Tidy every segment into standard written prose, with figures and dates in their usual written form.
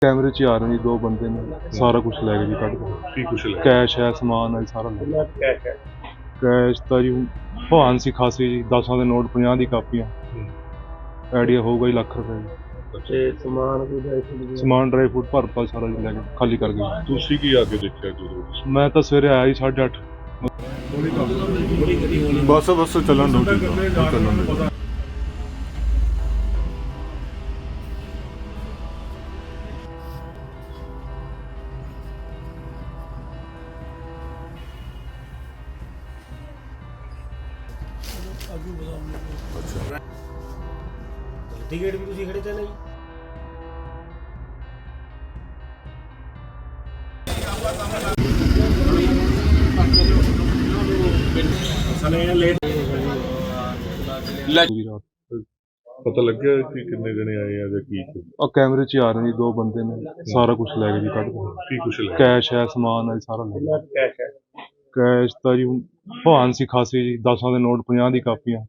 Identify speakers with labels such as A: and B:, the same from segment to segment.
A: कैमरे च ही आ रहे जी, दो बंदे ने सारा कुछ ले गए जी, कट के
B: ਕੀ ਕੁਛ ਲੈ
A: कैश है, समान है, सारा ले गए।
B: ਕੈਸ਼ ਹੈ
A: कैश तो जी भान सी खासी जी, 10 ਦੇ ਨੋਟ 50 ਦੀ ਕਾਪੀਆਂ, ਆਈਡੀਆ ਹੋਊਗਾ ਜੀ ਲੱਖ ਰੁਪਏ ਜੀ।
B: ਤੇ ਸਮਾਨ ਕੋਈ ਡਰਾਈ ਫਰੂਟ
A: ਸਮਾਨ ਡਰਾਈ ਫਰੂਟ ਭਰਤਾ ਸਾਰਾ ਜੀ ਲੈ ਕੇ ਖਾਲੀ ਕਰ ਗਏ।
B: ਤੁਸੀਂ ਕੀ ਆ ਕੇ ਦੇਖਿਆ ਜਦੋਂ
A: ਮੈਂ ਤਾਂ ਸਵੇਰੇ ਆਇਆ ਜੀ 8:30।
C: ਬਸ ਚੱਲਣ ਦੋ ਚੱਲਣ ਦੋ।
D: ਟਿਕਟ ਵੀ ਤੁਸੀਂ ਖੜੇ ਤੇ ਨਹੀਂ
A: ਪੂਰੀ ਰਾਤ
B: ਪਤਾ ਲੱਗਿਆ ਕਿ ਕਿੰਨੇ ਜਣੇ ਆਏ ਆ ਜਾਂ ਕੀ
A: और कैमरे च ही आ रहे जी, दो बंदे ने सारा कुछ ले गए जी, कट के
B: ਕੀ ਕੁਛ ਲੈ
A: कैश है, समान है, सारा ले गए।
B: ਕੈਸ਼ ਹੈ
A: कैश तो जी भान सी खासी जी, 10 ਦੇ ਨੋਟ 50 ਦੀ ਕਾਪੀਆਂ,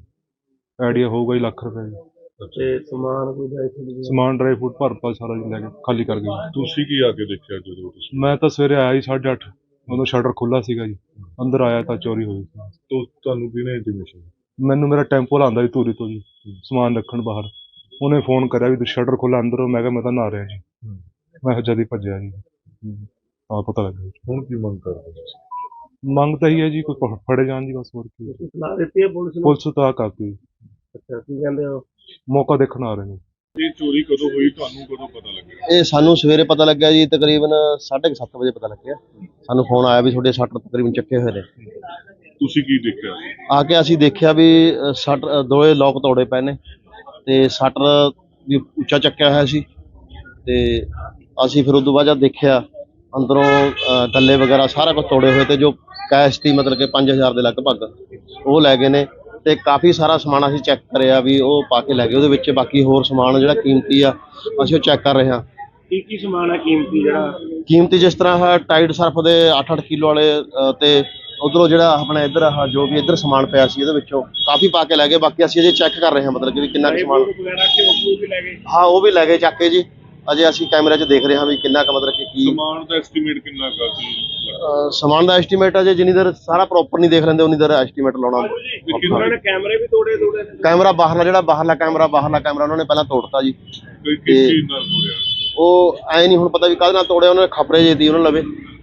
A: ਆਈਡੀਆ ਹੋਊਗਾ ਜੀ ਲੱਖ ਰੁਪਏ ਜੀ।
B: ਤੇ ਸਮਾਨ ਕੋਈ ਡਰਾਈ ਫਰੂਟ
A: ਸਮਾਨ ਡਰਾਈ ਫਰੂਟ ਭਰਤਾ ਸਾਰਾ ਜੀ ਲੈ ਕੇ ਖਾਲੀ ਕਰ ਗਏ।
B: ਤੁਸੀਂ ਕੀ ਆ ਕੇ ਦੇਖਿਆ ਜਦੋਂ ਤੁਸੀਂ
A: ਮੈਂ ਤਾਂ ਸਵੇਰੇ ਆਇਆ ਜੀ 8:30, ਉਦੋਂ ਸ਼ਟਰ ਖੁੱਲਾ ਸੀਗਾ ਜੀ, ਅੰਦਰ ਆਇਆ ਤਾਂ ਚੋਰੀ ਹੋਈ ਸੀ।
B: ਤੁਹਾਨੂੰ ਕਿਹਨੇ ਇੰਟੀਮੇਸ਼ਨ
A: ਮੈਨੂੰ ਮੇਰਾ ਟੈਂਪੋ ਲਾਉਂਦਾ ਜੀ ਧੂਰੀ ਤੋਂ ਜੀ, ਸਮਾਨ ਰੱਖਣ ਬਾਹਰ, ਉਹਨੇ ਫੋਨ ਕਰਿਆ ਵੀ ਸ਼ਟਰ ਖੁੱਲਾ ਅੰਦਰ ਹੋ। ਮੈਂ ਕਿਹਾ ਮੈਂ ਤਾਂ ਨਹਾ ਰਿਹਾ ਜੀ, ਮੈਂ ਜਦ ਹੀ ਭੱਜਿਆ ਜੀ, ਤਾਂ ਪਤਾ ਲੱਗਿਆ।
B: ਹੁਣ ਕੀ ਮੰਗ ਕਰਦੇ ਤੁਸੀਂ?
A: ਮੰਗ ਤਾਂ ਹੀ ਹੈ ਜੀ ਕੋਈ ਫੜੇ ਜਾਣ ਜੀ, ਬਸ ਹੋਰ ਕੀ।
D: ਸਲਾਹ ਦਿੱਤੀ ਹੈ ਪੁਲਿਸ ਨੂੰ?
A: ਪੁਲਿਸ ਤਾਂ ਕਰਤੀ,
D: ਅੱਛਾ ਕੀ ਕਹਿੰਦੇ ਹੋ?
A: ਮੌਕਾ ਦੇਖਣ ਆ ਰਹੇ ਨੇ।
B: ਇਹ ਚੋਰੀ ਕਦੋਂ ਹੋਈ, ਤੁਹਾਨੂੰ ਕਦੋਂ ਪਤਾ ਲੱਗਿਆ?
E: ਇਹ ਸਾਨੂੰ ਸਵੇਰੇ ਪਤਾ ਲੱਗਿਆ ਜੀ, ਤਕਰੀਬਨ 7:30 ਵਜੇ ਪਤਾ ਲੱਗਿਆ। ਸਾਨੂੰ ਫੋਨ ਆਇਆ ਵੀ ਤੁਹਾਡੇ ਸ਼ਟਰ ਤਕਰੀਬਨ ਚੱਕੇ ਹੋਏ ਨੇ।
B: ਤੁਸੀਂ ਕੀ ਦੇਖਿਆ?
E: ਆ ਕੇ ਅਸੀਂ ਦੇਖਿਆ ਵੀ ਸ਼ਟਰ ਦੋਏ ਲੋਕ ਤੋੜੇ ਪਏ ਨੇ ਤੇ ਸ਼ਟਰ ਵੀ ਉੱਚਾ ਚੱਕਿਆ ਹੋਇਆ ਸੀ। ਤੇ ਅਸੀਂ ਫਿਰ ਉਦੋਂ ਬਾਅਦ ਜਦ ਦੇਖਿਆ ਅੰਦਰੋਂ ਗੱਲੇ ਵਗੈਰਾ ਸਾਰਾ ਕੁਝ ਤੋੜੇ ਹੋਏ ਤੇ ਜੋ ਕੈਸ਼ ਸੀ ਮਤਲਬ ਕਿ 5000 ਦੇ ਲਗਭਗ ਉਹ ਲੈ ਗਏ ਨੇ। ਤੇ ਕਾਫੀ ਸਾਰਾ ਸਮਾਨ ਅਸੀਂ ਚੈੱਕ ਕਰਿਆ ਵੀ ਉਹ ਪਾ ਕੇ ਲੈ ਗਏ। ਉਹਦੇ ਵਿੱਚ ਬਾਕੀ ਹੋਰ ਸਮਾਨ ਜਿਹੜਾ ਕੀਮਤੀ ਆ ਅਸੀਂ ਉਹ ਚੈੱਕ ਕਰ ਰਹੇ ਹਾਂ।
D: ਕੀ ਸਮਾਨ ਹੈ ਕੀਮਤੀ ਜਿਹੜਾ?
E: ਕੀਮਤੀ ਜਿਸ ਤਰ੍ਹਾਂ ਹੈ ਟਾਈਡ ਸਰਫ ਦੇ 8-8 ਕਿਲੋ ਵਾਲੇ ਤੇ ਉਧਰੋਂ ਜਿਹੜਾ ਆਪਣਾ ਇੱਧਰ ਆਹ ਜੋ ਵੀ ਇੱਧਰ ਸਮਾਨ ਪਿਆ ਸੀ ਇਹਦੇ ਵਿੱਚੋਂ ਕਾਫੀ ਪਾ ਕੇ ਲੈ ਗਏ। ਬਾਕੀ ਅਸੀਂ ਅਜੇ ਚੈੱਕ ਕਰ ਰਹੇ ਹਾਂ ਮਤਲਬ ਕਿ ਵੀ ਕਿੰਨਾ ਕੁ ਸਮਾਨ।
D: ਵਗੈਰਾ ਕਿ ਉਹ ਵੀ ਲੈ ਗਏ?
E: ਹਾਂ ਉਹ ਵੀ ਲੈ ਗਏ ਚੱਕ ਕੇ ਜੀ। ਅਜੇ ਅਸੀਂ ਕੈਮਰੇ 'ਚ ਦੇਖ ਰਹੇ ਹਾਂ ਵੀ ਕਿੰਨਾ ਕੁ ਮਤਲਬ ਕਿ ਕੀ
B: ਸਮਾਨ ਦਾ ਐਸਟੀਮੇਟ ਕਿੰਨਾ ਕੁ ਸੀ?
E: ਸਮਾਨ ਦਾ ਐਸਟੀਮੇਟ ਅਜੇ ਜਿੰਨੀ ਦੇਰ ਸਾਰਾ ਪ੍ਰੋਪਰ ਨਹੀਂ ਦੇਖ ਲੈਂਦੇ ਉਨੀ ਦੇਰ ਐਸਟੀਮੇਟ ਲਾਉਣਾ
D: ਉਹਨਾਂ ਨੇ ਕੈਮਰੇ ਵੀ ਤੋੜੇ
E: ਕੈਮਰਾ ਬਾਹਰਲਾ ਕੈਮਰਾ ਉਹਨਾਂ ਨੇ ਪਹਿਲਾਂ ਤੋੜਤਾ ਜੀ।
B: ਕੋਈ ਕਿਸ ਚੀਜ਼ ਨਾਲ ਹੋਇਆ?
E: ਉਹ ਐ ਨਹੀਂ ਹੁਣ ਪਤਾ ਵੀ ਕਾਹਦੇ ਨਾਲ ਤੋੜਿਆ। ਉਹਨਾਂ ਨੇ ਖਪਰੇ ਜੇ ਦੀ ਉਹਨਾਂ ਲਵੇ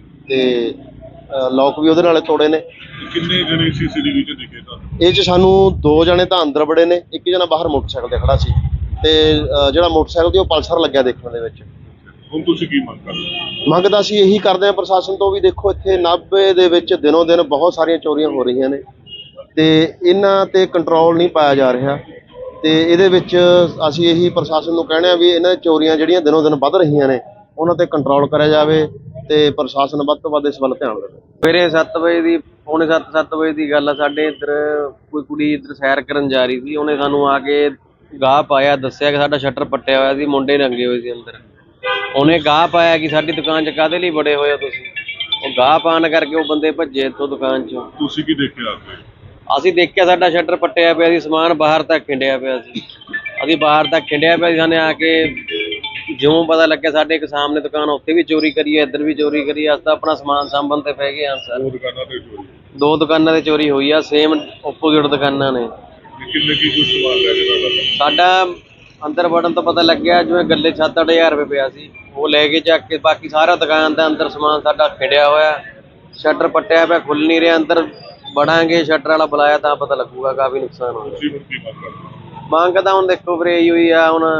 E: ਤੇ ਲੋਕ ਵੀ ਉਹਦੇ ਨਾਲ ਤੋੜੇ ਨੇ।
B: ਕਿੰਨੇ ਜਣੇ ਸੀਸੀਟੀਵੀ 'ਚ ਦਿਖੇ ਤੁਹਾਨੂੰ?
E: ਇਹ 'ਚ ਸਾਨੂੰ 2 ਜਣੇ ਤਾਂ ਅੰਦਰ ਬੜੇ ਨੇ, ਇੱਕ ਜਣਾ ਬਾਹਰ ਮੋਟਰਸਾਈਕਲ ਤੇ ਖੜਾ ਸੀ ਤੇ ਜਿਹੜਾ ਮੋਟਰਸਾਈਕਲ ਤੇ ਉਹ ਪਲਸਰ ਲੱਗਿਆ ਦੇਖਣ ਦੇ ਵਿੱਚ।
B: ਹੁਣ ਤੁਸੀਂ ਕੀ ਮੰਗ ਕਰਦੇ?
E: ਮੰਗਦਾ ਅਸੀਂ ਇਹੀ ਕਰਦੇ ਹਾਂ ਪ੍ਰਸ਼ਾਸਨ ਤੋਂ ਵੀ ਦੇਖੋ ਇੱਥੇ ਨਾਭੇ ਦੇ ਵਿੱਚ ਦਿਨੋਂ ਦਿਨ ਬਹੁਤ ਸਾਰੀਆਂ ਚੋਰੀਆਂ ਹੋ ਰਹੀਆਂ ਨੇ ਤੇ ਇਹਨਾਂ ਤੇ ਕੰਟਰੋਲ ਨਹੀਂ ਪਾਇਆ ਜਾ ਰਿਹਾ। ਤੇ ਇਹਦੇ ਵਿੱਚ ਅਸੀਂ ਇਹੀ ਪ੍ਰਸ਼ਾਸਨ ਨੂੰ ਕਹਿਣਾ ਵੀ ਇਹਨਾਂ ਚੋਰੀਆਂ ਜਿਹੜੀਆਂ ਦਿਨੋਂ ਦਿਨ ਵੱਧ ਰਹੀਆਂ ਨੇ ਉਹਨਾਂ ਤੇ ਕੰਟਰੋਲ ਕਰਿਆ ਜਾਵੇ ਤੇ ਪ੍ਰਸ਼ਾਸਨ ਵੱਧ ਤੋਂ ਵੱਧ ਇਸ ਵੱਲ ਧਿਆਨ ਦੇਵੇ।
F: ਸਵੇਰੇ 7 ਵਜੇ ਦੀ ਪੌਣੇ 7 ਵਜੇ ਦੀ ਗੱਲ ਆ। ਸਾਡੇ ਇੱਧਰ ਕੋਈ ਕੁੜੀ ਇੱਧਰ ਸੈਰ ਕਰਨ ਜਾ ਰਹੀ ਸੀ। ਉਹਨੇ ਸਾਨੂੰ ਆ ਕੇ ਗਾਹ ਪਾਇਆ, ਦੱਸਿਆ ਕਿ ਸਾਡਾ ਸ਼ਟਰ ਪੱਟਿਆ ਹੋਇਆ ਸੀ, ਮੁੰਡੇ ਰੰਗੇ ਹੋਏ ਸੀ ਅੰਦਰ। ਉਹਨੇ ਗਾਹ ਪਾਇਆ ਕਿ ਸਾਡੀ ਦੁਕਾਨ 'ਚ ਕਾਹਦੇ ਲਈ ਬੜੇ ਹੋਏ ਹੋ ਤੁਸੀਂ। ਉਹ ਗਾਹ ਪਾਉਣ ਕਰਕੇ ਉਹ ਬੰਦੇ ਭੱਜੇ ਇੱਥੋਂ ਦੁਕਾਨ 'ਚੋਂ।
B: ਤੁਸੀਂ ਕੀ ਦੇਖਿਆ?
F: ਅਸੀਂ ਦੇਖਿਆ ਸਾਡਾ ਸ਼ਟਰ ਪੱਟਿਆ ਪਿਆ ਸੀ, ਸਮਾਨ ਬਾਹਰ ਤੱਕ ਖਿੰਡਿਆ ਪਿਆ ਸੀ। ਅਸੀਂ ਬਾਹਰ ਤੱਕ ਖਿੰਡਿਆ ਪਿਆ ਸੀ। ਸਾਨੂੰ ਆ ਕੇ ਜਿਉਂ ਪਤਾ ਲੱਗਿਆ ਸਾਡੇ ਇੱਕ ਸਾਹਮਣੇ ਦੁਕਾਨ, ਉੱਥੇ ਵੀ ਚੋਰੀ ਕਰੀ ਹੈ, ਇੱਧਰ ਵੀ ਚੋਰੀ ਕਰੀ ਹੈ। ਅਸੀਂ ਤਾਂ ਆਪਣਾ ਸਮਾਨ ਸਾਂਭਣ ਤੇ ਪੈ ਗਏ ਹਾਂ ਸਰ।
B: 2 ਦੁਕਾਨਾਂ ਤੇ ਚੋਰੀ?
F: 2 ਦੁਕਾਨਾਂ ਤੇ ਚੋਰੀ ਹੋਈ ਆ, ਸੇਮ ਓਪੋਜ਼ਿਟ ਦੁਕਾਨਾਂ ਨੇ।
B: ਕਿੰਨੇ ਕੀ ਕੁਛ ਸਮਾਨ ਲੈ ਗਏ?
F: ਸਾਡਾ ਅੰਦਰ ਵੜਨ ਤੋਂ ਪਤਾ ਲੱਗਿਆ ਜਿਵੇਂ ਗੱਲੇ 7-8 ਹਜ਼ਾਰ ਰੁਪਏ ਪਿਆ ਸੀ, ਉਹ ਲੈ ਕੇ ਚੱਕ ਕੇ। ਬਾਕੀ ਸਾਰਾ ਦੁਕਾਨ ਦਾ ਅੰਦਰ ਸਮਾਨ ਸਾਡਾ ਖਿੰਡਿਆ ਹੋਇਆ, ਸ਼ਟਰ ਪੱਟਿਆ ਪਿਆ, ਖੁੱਲ ਨਹੀਂ ਰਿਹਾ। ਅੰਦਰ ਵੜਾਂਗੇ, ਸ਼ਟਰ ਵਾਲਾ ਬੁਲਾਇਆ ਤਾਂ ਪਤਾ ਲੱਗੂਗਾ। ਕਾਫੀ ਨੁਕਸਾਨ ਹੋਇਆ।
B: ਤੁਸੀਂ ਹੁਣ ਕੀ ਮੰਗ ਕਰਦੇ?
F: ਮੰਗ ਤਾਂ ਹੁਣ ਦੇਖੋ ਵੀਰੇ ਇਹੀ ਹੋਈ ਆ, ਹੁਣ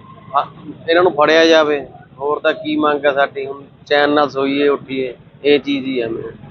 F: ਇਹਨਾਂ ਨੂੰ ਫੜਿਆ ਜਾਵੇ। ਹੋਰ ਤਾਂ ਕੀ ਮੰਗ ਆ ਸਾਡੀ? ਹੁਣ ਚੈਨ ਨਾਲ ਸੋਈਏ ਉੱਠੀਏ, ਇਹ ਚੀਜ਼ ਹੀ ਆ ਮੇਰੇ।